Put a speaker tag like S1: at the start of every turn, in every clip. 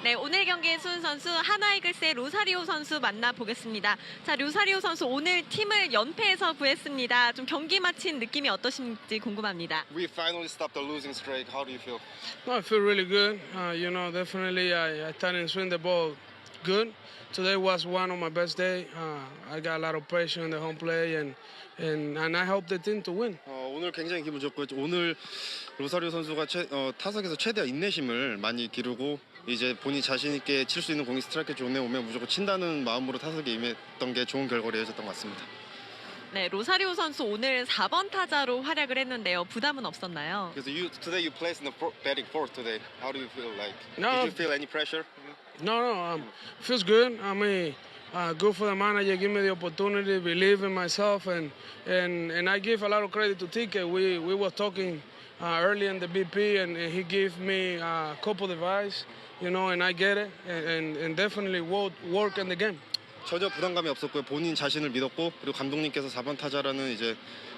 S1: 네, 오늘 경기의 수훈 선수 하나이글스의 로사리오 선수 만나보겠습니다. 자, 로사리오 선수 오늘 팀을 연패에서 구했습니다. 좀 경기 마친 느낌이 어떠신지 궁금합니다.
S2: We finally stopped the losing streak. How do you feel?
S3: No, I feel really good. Definitely I started to swing the ball good. Today was one of my best days. I got a lot of pressure in the home play, and I hope the team to win.
S2: 오늘 굉장히 기분 좋고 오늘 로사리오 선수가 타석에서 최대한 인내심을 많이 기르고 이제 본인 자신 있게 칠 수 있는 공이 스트라이크 존에 오면 무조건 친다는 마음으로 타석에 임했던 게 좋은 결과로 이어졌던 것 같습니다.
S1: 네, 로사리오 선수 오늘 4번 타자로 활약을 했는데요. 부담은 없었나요?
S2: Because today you placed in the batting fourth today. How do you feel like?
S3: No.
S2: Did you feel any pressure?
S3: No, feels good. I mean, good for the manager. Give me the opportunity, believe in myself, and I give a lot of credit to Tike. We were talking early in the BP, and he gave me a couple of advice, and I get it, and definitely work in the game.
S2: 전혀 부담감이 없었고요. 본인 자신을 믿었고 그리고 감독님께서 4번 타자라는 이제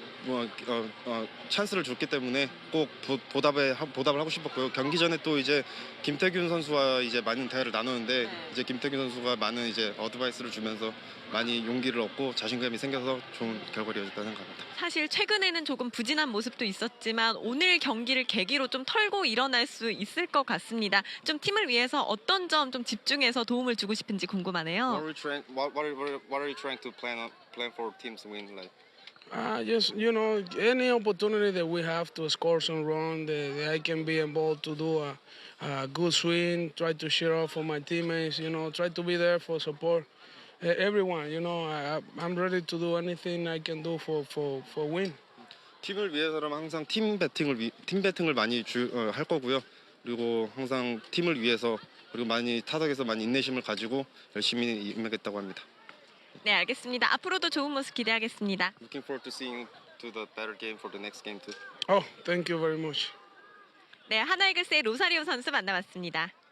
S2: 찬스를 줬기 때문에 꼭 보답을 하고 싶었고요. 경기 전에 또 이제 김태균 선수와 이제 많은 대화를 나누는데 이제 김태균 선수가 많은 이제 어드바이스를 주면서 많이 용기를 얻고 자신감이 생겨서 좋은 결과를 이어졌다고 생각합니다.
S1: 사실 최근에는 조금 부진한 모습도 있었지만 오늘 경기를 계기로 좀 털고 일어날 수 있을 것 같습니다. 좀 팀을 위해서 어떤 점 좀 집중해서 도움을 주고 싶은지 궁금하네요.
S2: What are you trying to plan for teams win like?
S3: Just any opportunity that we have to score some run, that I can be involved to do a good swing, try to cheer up for my teammates, try to be there for support everyone. I'm ready to do anything I can do for win.
S2: 팀을 위해서라면 항상 팀 배팅을 많이 할 거고요. 그리고 항상 팀을 위해서 그리고 많이 타석에서 많이 인내심을 가지고 열심히 임하겠다고 합니다.
S1: 네, 알겠습니다. 앞으로도 좋은 모습 기대하겠습니다.
S2: Looking forward to seeing to the better game for the next game too.
S3: Oh, thank you very much.
S1: 네, 하나이글스의 로사리오 선수 만나봤습니다.